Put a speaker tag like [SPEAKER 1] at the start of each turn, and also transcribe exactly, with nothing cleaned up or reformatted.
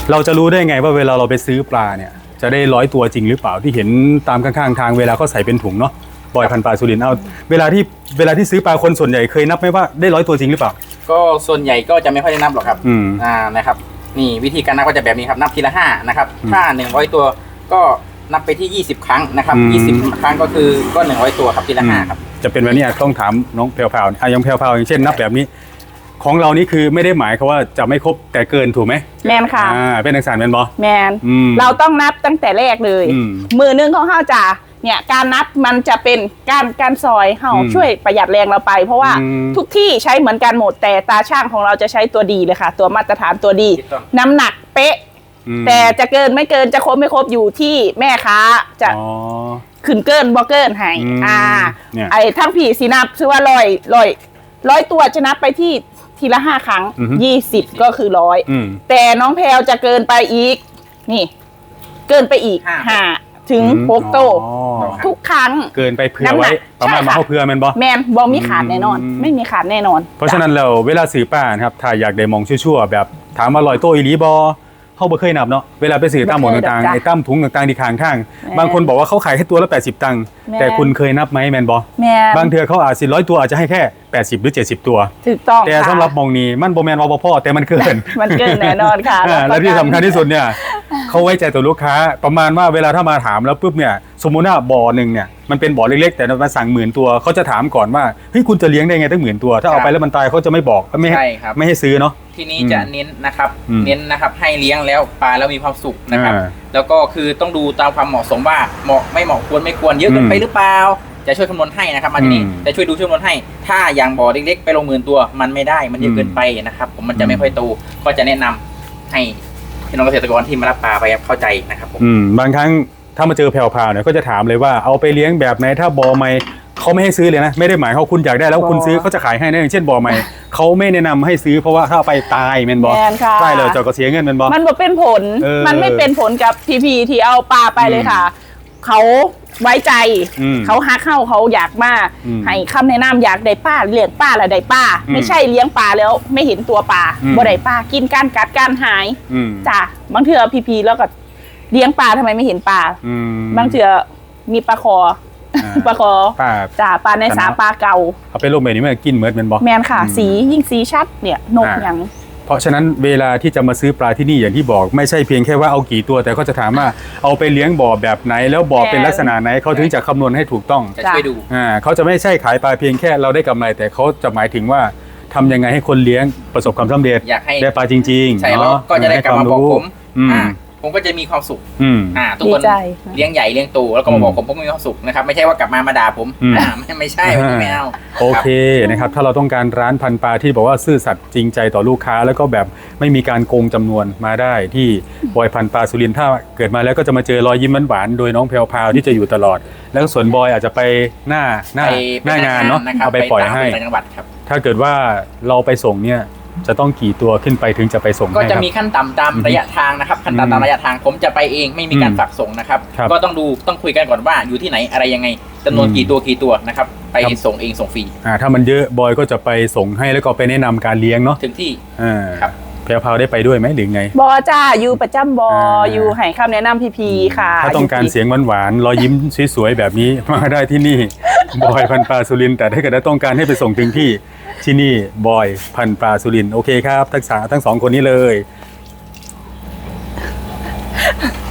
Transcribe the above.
[SPEAKER 1] เราจะรู้ได้ไงว่าเวลาเราไปซื้อปลาเนี่ยจะได้ร้อยตัวจริงหรือเปล่าที่เห็นตามข้างๆทางเวลาเขาใส่เป็นถุงเนาะบอยพันปลาสุรินทร์เอาเวลาที่เวลาที่ซื้อปลาคนส่วนใหญ่เคยนับไหมว่าได้ร้อยตัวจริงหรือเปล่า
[SPEAKER 2] ก็ส่วนใหญ่ก็จะไม่ค่อยได้นับหรอกครับ
[SPEAKER 1] อืม
[SPEAKER 2] อ่านะครับนี่วิธีการนับก็จะแบบนี้ครับนับทีละห้านะครับถ้าหนึ่งร้อยตัวก็นับไปที่ยี่สิบครั้งนะครับยี่สิบครั้งก็คือก็หนึ่งร้อยตัวครับทีละห้าครับ
[SPEAKER 1] จะเป็นแบบนี้ต้องถามน้องแพรวๆอ่ะยังแพรวๆอย่างเช่นนับแบบนี้ของเรานี่คือไม่ได้หมายเขาว่าจะไม่ครบแต่เกินถูกไหม
[SPEAKER 3] แมนค่ะ
[SPEAKER 1] อ่าเป็นอักษรแมนบอ
[SPEAKER 3] แมนเราต้องนับตั้งแต่แรกเลยมือนึงของข้าวจ่าเนี่ยการนับมันจะเป็นการการซอยเฮาช่วยประหยัดแรงเราไปเพราะว่าทุกที่ใช้เหมือนกันหมดแต่ตาช่างของเราจะใช้ตัวดีเลยค่ะตัวมาตรฐานตัวดีน้ำหนักเป๊ะแต่จะเกินไม่เกินจะครบไม่ครบอยู่ที่แม่ค้าจะขึ้นเกินบ่เกินให้อ่าไอ้ทั้งผีสีนับชื่อว่าร้อยร้อยร้อยตัวจะนับไปที่ทีละห้าครั้งยี่สิบก็คือร้อยแต่น้องแพลวจะเกินไปอีกนี่เกินไปอีกห้าถึงหกโตทุกครั้ง
[SPEAKER 1] เกินไปเผื่อไว้ประมาณมาเข้าเผื่อแมนบอ
[SPEAKER 3] แมนบอมีขาดแน่นอนไม่มีขาดแน่นอน
[SPEAKER 1] เพราะฉะนั้นเราเวลาสื่อป้านะครับถ้าอยากได้มองชั่วๆแบบถามว่าลอยโตอีหลีบอเขาบ่เคยนับเนาะเวลาไปสื่อตามหมดต่างๆไอ้ตั้มถุงต่างๆที่ข้างข้างบางคนบอกว่าเขาขายแค่ตัวละแปดสิบตังค์แต่คุณเคยนับไหมแมนบอบางเทือเขาอาจสิร้อยตัวอาจจะให้แค่แปดสิบหรือเจ็ดสิบตัว
[SPEAKER 3] ถูกต้อง
[SPEAKER 1] แต่สำหรับมองนี้มันโบแมนวอพ่อแต่มันเกิน
[SPEAKER 3] มันเกินแน่นอนค่ะ
[SPEAKER 1] และที่สำคัญที่สุดเนี่ยเขาไว้ใจตัวลูกค้าประมาณว่าเวลาถ้ามาถามแล้วปุ๊บเนี่ยสมมุติว่าบ่อหนึ่งเนี่ยมันเป็นบ่อเล็กๆแต่มาสั่งหมื่นตัวเขาจะถามก่อนว่าเฮ้ยคุณจะเลี้ยงได้ไงตั้งหมื่นตัวถ้าเอาไปแล้วมันตายเขาจะไม่บอกไม่ให้ไม่ให้ซื้อเนาะ
[SPEAKER 2] ทีนี้จะเน้นนะครับเน้นนะครับให้เลี้ยงแล้วปลาแล้วมีความสุขนะครับแล้วก็คือต้องดูตามความเหมาะสมว่าเหมาะไม่เหมาะควรไม่ควรเยอะเกินไปหรือเปล่าจะช่วยคำนวณให้นะครับมาที่นี่จะช่วยดูช่วยคำนวณให้ถ้าอย่างบ่อเล็กๆไปลงหมื่นตัวมันไม่ได้มันเยอะเกินไปนะครับผมมันจะไม่ค่อยโตก็จะแนะนำให้พี่น้องเกษตรกรที่มารับปลาไปเข้าใจนะครับผม
[SPEAKER 1] บางครั้งถ้ามาเจอแผ่วๆเนี่ยก็จะถามเลยว่าเอาไปเลี้ยงแบบไหนถ้าบ่อใหม่เขาไม่ให้ซื้อเลยนะไม่ได้หมายเขาคุณอยากได้แล้วคุณซื้อเขาจะขายให้นะอย่างเช่นบ่อใหม่เขาไม่แนะนำให้ซื้อเพราะว่าถ้าไปตายแมนบอใช่เลยเจ้าก็เสียเงินแมนบอ
[SPEAKER 3] มันบอกเป็นผลมันไม่เป็นผลกับพีพีที่เอาปลาไปเลยค่ะเขาไว้ใจเขาหาเข้าเขาอยากมาให้คำแนะนำอยากได้ป้าเลี้ยงป้าอะไรได้ป้าไม่ใช่เลี้ยงปลาแล้วไม่เห็นตัวปลาบ่ได้ป้ากินการกัดการหายจ้ะบางเถื่อพีพีแล้วก็เลี้ยงปลาทำไมไม่เห็นปลาบางเถื่อมีปลาคอปลาคอจ้ะปลาในสาปลาเก่า
[SPEAKER 1] เอาไปลงแบบนี้มันกินเหมือนเป็นบอ
[SPEAKER 3] แมนค่ะสียิ่งสีชัดเนี่ยนกอย่าง
[SPEAKER 1] เพราะฉะนั้นเวลาที่จะมาซื้อปลาที่นี่อย่างที่บอกไม่ใช่เพียงแค่ว่าเอากี่ตัวแต่เขาจะถามว่าเอาไปเลี้ยงบ่อแบบไหนแล้วบ่อเป็นลักษณะไหนเขาถึงจะคำนวณให้ถูกต้อง
[SPEAKER 2] จะช่วยดู
[SPEAKER 1] อ่าเขาจะไม่ใช่ขายปลาเพียงแค่เราได้กำไรแต่เขาจะหมายถึงว่าทำยังไงให้คนเลี้ยงประสบความสำเร็จ
[SPEAKER 2] อยากให้
[SPEAKER 1] ได้ปลาจริงๆ
[SPEAKER 2] ใช่แล้วก็จะได้กลับมาบอกผมอ่าผมก็จะมีความสุขอ่าทุกคนเลี้ยงใหญ่เลี้ยงโตแล้วก็มาบอกผมผมก็มีความสุขนะครับไม่ใช่ว่ากลับมามาด่าผมอ่าไม่ไม่ใช่ไม่เอา
[SPEAKER 1] โอเคนะครับถ้าเราต้องการร้านพันปลาที่บอกว่าซื่อสัตย์จริงใจต่อลูกค้าแล้วก็แบบไม่มีการโกงจำนวนมาได้ที่บอยพันปลาสุรินทร์ถ้าเกิดมาแล้วก็จะมาเจอรอยยิ้มหวานๆโดยน้องแพรวพาวที่จะอยู่ตลอดแล้วส่วนบอยอาจจะไปหน้าหน้าหน้างานเนาะเอาไปปล่อยให้ถ้าเกิดว่าเราไปส่งเนี่ยจะต้องกี่ตัวขึ้นไปถึงจะไปส่ง
[SPEAKER 2] ก็จะมีขั้นต่ำตามระยะทางนะครับขั้นต่ำตามระยะทางผมจะไปเองไม่มีการฝากส่งนะครับก็ต้องดูต้องคุยกันก่อนว่าอยู่ที่ไหนอะไรยังไงจำนวนกี่ตัวกี่ตัวนะครับไปส่งเองส่งฟรี
[SPEAKER 1] อ่าถ้ามันเยอะบอยก็จะไปส่งให้แล้วก็ไปแนะนำการเลี้ยงเนาะ
[SPEAKER 2] ถึงที่
[SPEAKER 1] อ่าครับแพรวพาวได้ไปด้วยไหมหรือไง
[SPEAKER 3] บอจ้าอยู่ประจำบออยู่ให้คำแนะนำพีพีค่ะ
[SPEAKER 1] ถ้าต้องการเสียงหวานๆรอยยิ้มสวยๆแบบนี้มาได้ที่นี่บอยพันปลาสุรินทร์แต่ถ้าเกิดต้องการให้ไปส่งถึงที่ที่นี่บอยพันปลาสุรินทร์โอเคครับทั้งสาทั้งสองคนนี้เลย